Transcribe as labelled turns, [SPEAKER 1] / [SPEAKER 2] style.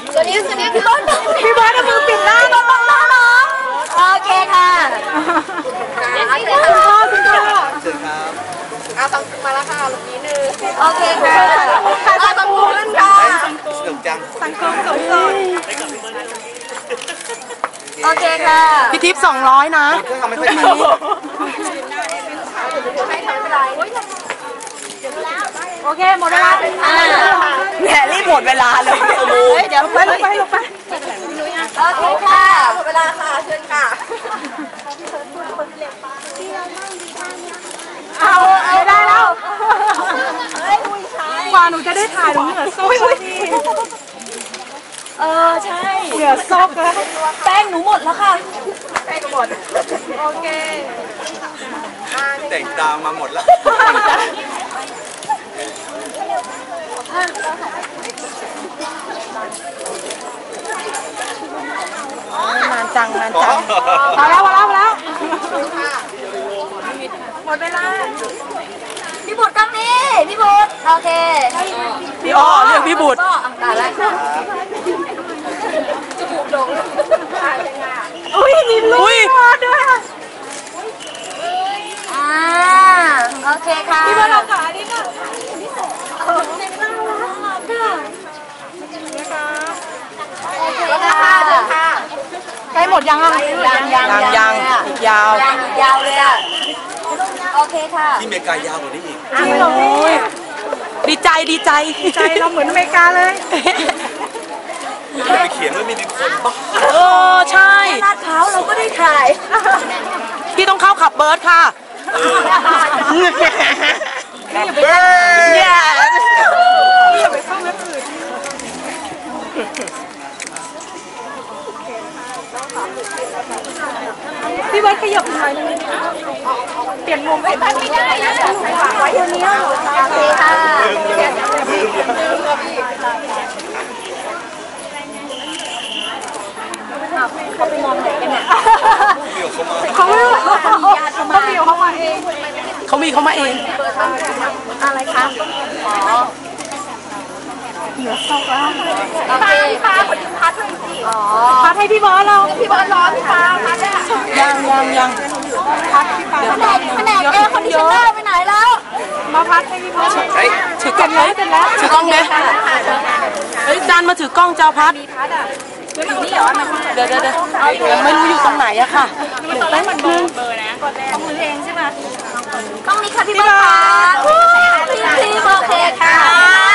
[SPEAKER 1] สวัสดีพี่ต้นพี่บอสเอามือปิดหน้าน้องโอเคค่ะคุณพ่อเชิญครับต้องมาแล้วค่ะลูกนี้นึงโอเคค่ะต้องพูดกันค่ะสนุกจังสังคมสมดุลโอเคค่ะ
[SPEAKER 2] พี่ทิพย์200นะ
[SPEAKER 1] เครื่องทำไม่ค่อยดีให้ทำไม่ได้โอเคหมดเวลา
[SPEAKER 2] เนี่ยรีบหมดเวลาเลยเดี๋ยวไปโอเค
[SPEAKER 1] ค่ะหมดเวลาค่ะเชิญค่ะเอาได้แล้ว
[SPEAKER 2] กว่าหนูจะได้ถ่ายหนูเหงื่อซก
[SPEAKER 1] ใช่
[SPEAKER 2] เหงื่อซกแล้ว
[SPEAKER 1] แป้งหนูหมดแล้วค่ะแป้งหมดโอเค
[SPEAKER 3] แต่งตามมาหมดแล้ว
[SPEAKER 2] นานจังพอแล้วหมดเวลา
[SPEAKER 1] พี่บุตรกล้องนี้พี่บุตรโอเค
[SPEAKER 2] พี่อ้อเรียกพี่บุตร
[SPEAKER 1] ตาแล้วจมูกโด่ง
[SPEAKER 2] อุ้ยมีลูกด้วย
[SPEAKER 1] โอเคค่ะ
[SPEAKER 2] พี่บุตรเราขาดิค่ะใกล้หมดยังยังอีกยาว
[SPEAKER 1] เลยอ่ะโอเคค่ะ
[SPEAKER 3] ที่อเมริกายาวกว่านี้อีก
[SPEAKER 2] ดีใจเราเหมือนอเมริกาเลย
[SPEAKER 3] ไปเขียนว่ามี1 คนป่ะ
[SPEAKER 2] ใช่
[SPEAKER 1] ลาดพร้าวเราก็ได้ถ่าย
[SPEAKER 2] พี่ต้องเข้าขับเบิร์ดค่ะ
[SPEAKER 3] เบิร์ด
[SPEAKER 2] อย่าไปเข้าเว็บอื่นพี่เบิร์ดขยับหน่อยนึงเปลี่ยนมุมไม่ได้นะไว้ตรงนี้
[SPEAKER 1] โอเคค่ะเขาไปมองไหนกันเนี่ย
[SPEAKER 2] เขามาเอง
[SPEAKER 1] อะไรคะ
[SPEAKER 2] เหนือซอกแล้ว
[SPEAKER 1] โอเคฟ้าคนดึงพัดเลยสิ
[SPEAKER 2] พัดให้พี่บอสเรา
[SPEAKER 1] พี่บอสร้อนพี่ฟ้าพัดอ่ะ
[SPEAKER 2] ยังพัดพี่ฟ้า
[SPEAKER 1] แผนกคนที่ชนะไปไหนแล้ว
[SPEAKER 2] มาพัดให้พี่บอสถือกล้องเลยถือกล้องเลยจานมาถือกล้องเจ้าพัดเดี๋ยวยังไม่รู้อยู่ตรงไหนอะค่ะ
[SPEAKER 1] ตอนแรกมันเบอร์นะต้องมือเองใช่ไหมต้องนี้ค่ะพี่บอสพี่โอเคค่ะ